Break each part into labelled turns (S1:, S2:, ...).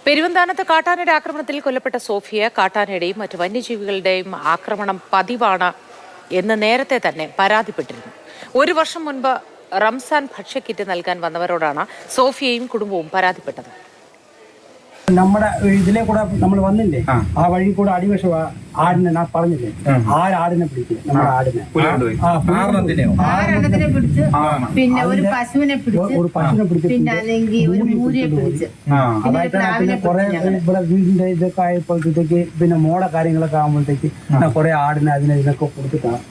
S1: പെരുവന്താനത്ത് കാട്ടാനയുടെ ആക്രമണത്തിൽ കൊല്ലപ്പെട്ട സോഫിയ കാട്ടാനയുടെയും മറ്റ് വന്യജീവികളുടെയും ആക്രമണം പതിവാണ് എന്ന് നേരത്തെ തന്നെ പരാതിപ്പെട്ടിരുന്നു. ഒരു വർഷം മുൻപ് റംസാൻ ഭക്ഷ്യക്കിറ്റ് നൽകാൻ വന്നവരോടാണ് സോഫിയയും കുടുംബവും പരാതിപ്പെട്ടത്.
S2: നമ്മുടെ ഇതിലെ കൂടെ നമ്മൾ വന്നില്ലേ, ആ വഴി കൂടെ അടിവശം ആടിനെ ഞാൻ പറഞ്ഞില്ലേ, ആടിനെ പിടിക്കും. നമ്മുടെ ആടിനെ
S3: പിന്നെ ഒരു പശുവിനെ പിടിച്ച് പിന്നെ ഒരു മൂരിയെ പിടിച്ച്
S2: പിന്നെ കുറെ ഇവിടെ വീടിന്റെ ഇതൊക്കെ ആയപ്പോഴത്തേക്ക് പിന്നെ മോടെ കാര്യങ്ങളൊക്കെ ആകുമ്പോഴത്തേക്ക് കുറെ ആടിനെ ഇതിനൊക്കെ കൊടുത്തിട്ടാണ്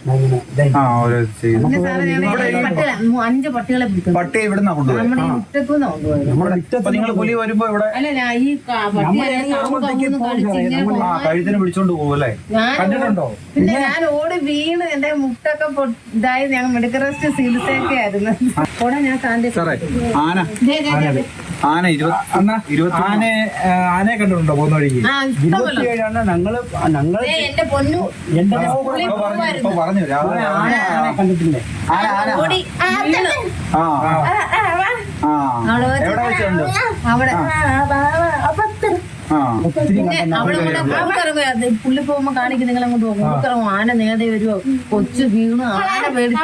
S3: അഞ്ച് പട്ടികളെ പിടിക്കും.
S4: പട്ടി ഇവിടുന്ന
S3: നമ്മുടെ മുറ്റത്തുനിന്ന് കൊണ്ടുപോയത്. അല്ല, ഈ
S4: കഴുത്തിന് പിടിച്ചോണ്ട് പോകുമല്ലേ?
S3: പിന്നെ ഞാൻ ഓടി വീണ് എന്റെ മുട്ടൊക്കെ ഇതായി. ഞങ്ങൾ മെഡിക്കൽ റെസ്റ്റ് ചികിത്സയൊക്കെ ആയിരുന്നു.
S4: ആനയെ കണ്ടിട്ടുണ്ടോ പോകുന്ന വഴിക്ക്?
S3: എന്റെ പൊന്നു
S4: പറഞ്ഞു
S2: കണ്ടിട്ടില്ലേ?
S4: എവിടെ വെച്ചുണ്ട്?
S3: അവിടെ പുള്ളി പോകുമ്പോ കാണിക്കും, നിങ്ങൾ അങ്ങോട്ട് പോകും. ഊക്കറങ്ങും, ആന നേടെ വരുമോ, കൊച്ചു വീണു, ആന പേടിച്ചു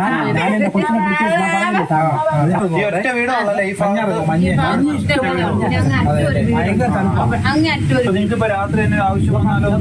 S4: നിങ്ങൾക്കിപ്പോ രാത്രി തന്നെ ആവശ്യം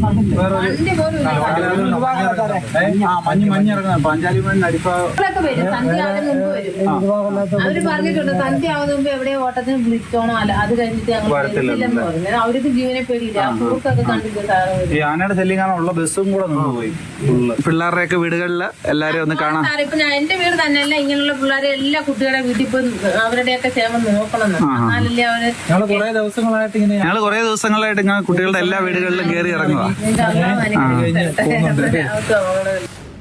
S4: മഞ്ഞിറങ്ങുന്ന പാഞ്ചാലി മണ്ണിന്
S3: അടിപ്പൊക്കെ വരും. സന്ധ്യ ആവുന്ന മുമ്പ് വരും. അവര് പറഞ്ഞിട്ടുണ്ട് സന്ധ്യ ആവുന്ന മുമ്പ് എവിടെയോ ഓട്ടത്തിന് വിളിച്ചോണോ, അല്ല അത് കഴിഞ്ഞിട്ട് ഞങ്ങൾ പറഞ്ഞു. അവർക്ക് ജീവനെ പേടിയില്ല. പൂക്കൊക്കെ കണ്ടിട്ട്
S4: ഈ ആനയുടെ ശല്യം കാണാനുള്ള ബസ്സും കൂടെ നിന്നുപോയി. പിള്ളേരുടെയൊക്കെ വീടുകളിൽ എല്ലാരും ഒന്ന് കാണാം.
S3: ഇപ്പൊ ഞാൻ എന്റെ വീട് തന്നെയല്ല, ഇങ്ങനെയുള്ള പിള്ളേരെ എല്ലാ കുട്ടികളുടെ വീട്ടിൽ പോയി അവരുടെയൊക്കെ ക്ഷേമം നോക്കണം. എന്നാലല്ലേ അവര്
S4: ഞങ്ങള് കുറെ ദിവസങ്ങളായിട്ട് ഇങ്ങനെ കുട്ടികളുടെ എല്ലാ വീടുകളിലും കയറി ഇറങ്ങുക.